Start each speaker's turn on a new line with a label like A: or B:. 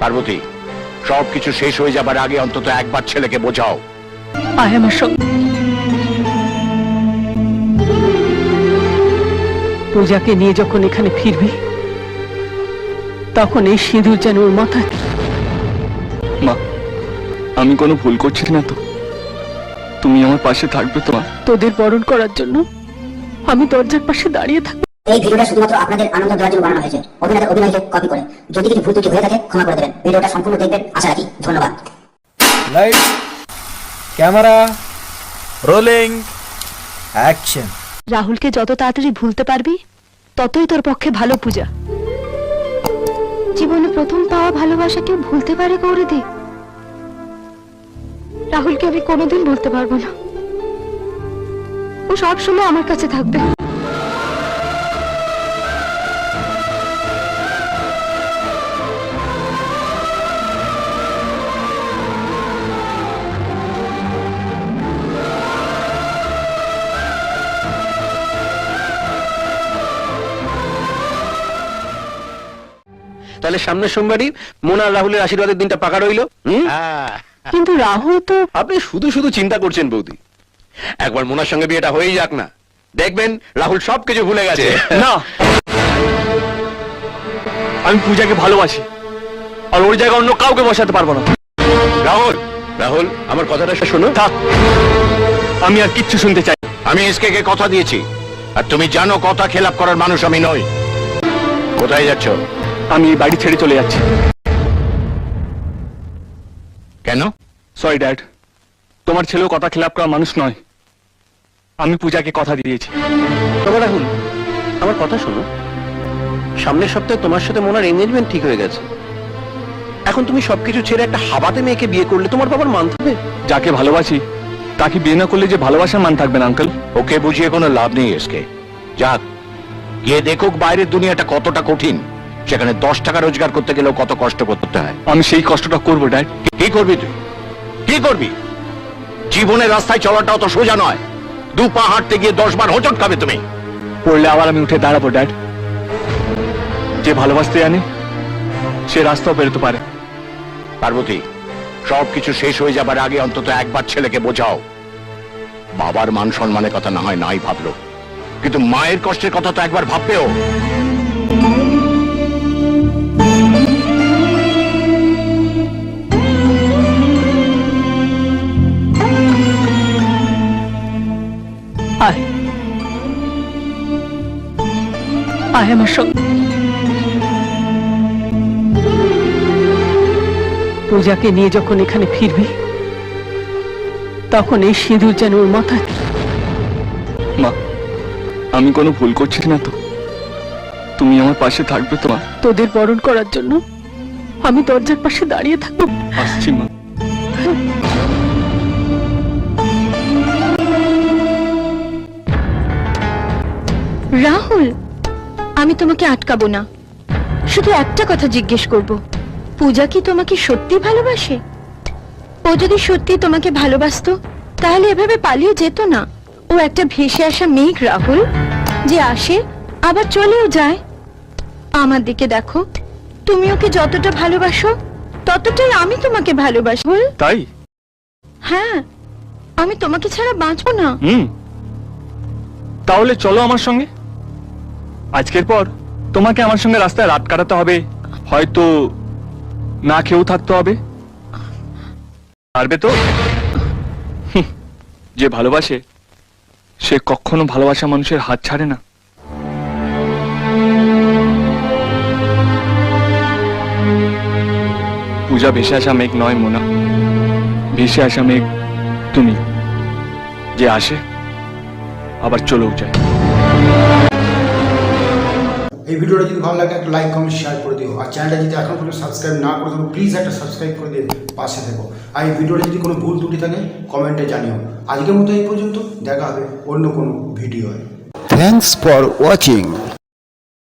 A: পার্বতী, সবকিছু শেষ হয়ে যাবার আগে অন্তত একবার ছেলেকে বোঝাও।
B: আয় আমার সঙ্গে। পূজাকে নিয়ে যখন এখানে ফিরবি তখন এই সিঁদুর যেন ওর মাথায়।
C: মা, আমি কোনো ভুল করছি না তো? তুমি আমার পাশে থাকবে তো?
B: তোদের বরণ করার জন্য আমি দরজার পাশে দাঁড়িয়ে থাকবো।
D: এই ভিডিওটা শুধুমাত্র আপনাদের আনন্দ দেওয়ার জন্য বানানো হয়েছে। অভিনয়কে কপি করে। যদি কিছু ভুল ত্রুটি হয়ে থাকে ক্ষমা করে দেবেন। ভিডিওটা সম্পূর্ণ দেখবেন আশা রাখি। ধন্যবাদ।
E: Light, camera, rolling, action.
F: রাহুলকে যত তাড়াতাড়ি ভুলতে পারবি ততই তোর পক্ষে ভালো। পূজা, জীবনে প্রথম পাওয়া ভালোবাসা কেউ ভুলতে পারে গৌরীদি? রাহুলকে আমি কোনোদিন ভুলতে পারবো না। ও সবসময় আমার কাছে থাকবে।
G: তাহলে সামনের সোমবারই মোনা রাহুলের আশীর্বাদের দিনটা পাকা রইল।
B: কিন্তু রাহুল তো।
G: আপনি শুধু শুধু চিন্তা করছেন বৌদি। একবার মোনার সঙ্গে বিয়েটা হয়েই যাক না, দেখবেন রাহুল সবকিছু ভুলে গেছে।
C: না, আমি পূজাকে ভালোবাসি, আর ওর জায়গায় অন্য কাউকে বসাতে পারবো না।
G: রাহুল, রাহুল, আমার কথাটা শোনো।
C: থাক, আমি আর কিচ্ছু শুনতে চাই।
A: আমি এসকে কে কথা দিয়েছি, আর তুমি জানো কথা খেলাপ করার মানুষ আমি নই। কোথায় যাচ্ছ?
C: আমি এই বাড়ি ছেড়ে চলে যাচ্ছি।
A: কেন?
C: সরি ড্যাড, তোমার ছেলেও কথা খেলাপ করার মানুষ নয়। আমি পূজাকে কথা দিয়েছি।
G: তবে রাহুল, আমার কথা শোনো। সামনের সপ্তাহে তোমার সাথে মোনার এনগেজমেন্ট ঠিক হয়ে গেছে। এখন তুমি সবকিছু ছেড়ে একটা হাবাতে মেয়েকে বিয়ে করলে তোমার বাবার মান থাকবে?
C: যাকে ভালোবাসি তাকে বিয়ে না করলে যে ভালোবাসার মান থাকবে না আঙ্কেল।
A: ওকে বুঝিয়ে কোনো লাভ নেই এসকে। যাক, গিয়ে দেখুক বাইরের দুনিয়াটা কতটা কঠিন। সেখানে 10 টাকা রোজগার করতে গেলেও কত কষ্ট করতে হয়।
C: আমি সেই কষ্টটা করবো ড্যাড।
A: কি করবি তুই? কি করবি? জীবনের রাস্তায় চলাটাও তো সোজা নয়। 2 পা হাঁটতে গিয়ে 10 বার হোঁচট খাবে তুমি।
C: পড়লে আবার আমি উঠে দাঁড়াবো ড্যাড। যে ভালোবাসতে জানে সে রাস্তাও বেরোতে পারে।
A: পার্বতী, সবকিছু শেষ হয়ে যাবার আগে অন্তত একবার ছেলেকে বোঝাও। বাবার মান সম্মানের কথা না হয় নাই ভাবলো, কিন্তু মায়ের কষ্টের কথা তো একবার ভাববেও।
B: আয়, আয় আমার সঙ্গে। পূজাকে নিয়ে যখন এখানে ফিরবি তখন এই সিঁদুর যেন ওর মাথায়।
C: মা, আমি কোনো ভুল করছি না তো? তুমি আমার পাশে থাকবে তো?
B: তোদের বরণ করার জন্য আমি দরজার পাশে দাঁড়িয়ে থাকবো।
C: আসছি মা।
F: রাহুল, আমি তোমাকে আটকাবো না। শুধু একটা কথা জিজ্ঞেস করব, পূজা কি তোমাকে সত্যি ভালোবাসে? ও যদি সত্যি তোমাকে ভালোবাসতো তাহলে এভাবে পালিয়ে যেত না। ও একটা ভেসে আসা মেঘ রাহুল, যে আসে আবার চলেও যায়। আমার দিকে দেখো, তুমি ওকে যতটা ভালোবাসো ততটাই আমি তোমাকে ভালোবাসি।
C: তাই?
F: হ্যাঁ, আমি তোমাকে ছাড়া বাঁচবো না।
C: তাহলে চলো আমার সঙ্গে। আজকের পর তোমাকে আমার সঙ্গে রাস্তায় রাত কাটাতে হবে, হয়তো না খেয়েও থাকতে হবে। পারবে তো? যে ভালোবাসে সে কখনো ভালোবাসা মানুষের হাত ছাড়ে না। পূজা ভেসে আসা মেঘ নয় মোনা, ভেসে আসা মেঘ তুমি, যে আসে আবার চলেও যায়।
H: এই ভিডিওটা যদি ভালো লাগে একটা লাইক কমেন্ট শেয়ার করে দিও। আর চ্যানেলটা যদি এখন পর্যন্ত সাবস্ক্রাইব না করে থাকো প্লিজ একটা সাবস্ক্রাইব করে দিয়ে পাশে থেকো। আর এই ভিডিওটা যদি কোনো ভুল ত্রুটি থাকে কমেন্টে জানিও। আজকের মতো এই পর্যন্ত, দেখা হবে অন্য কোনো ভিডিওয়।
I: Thanks for watching.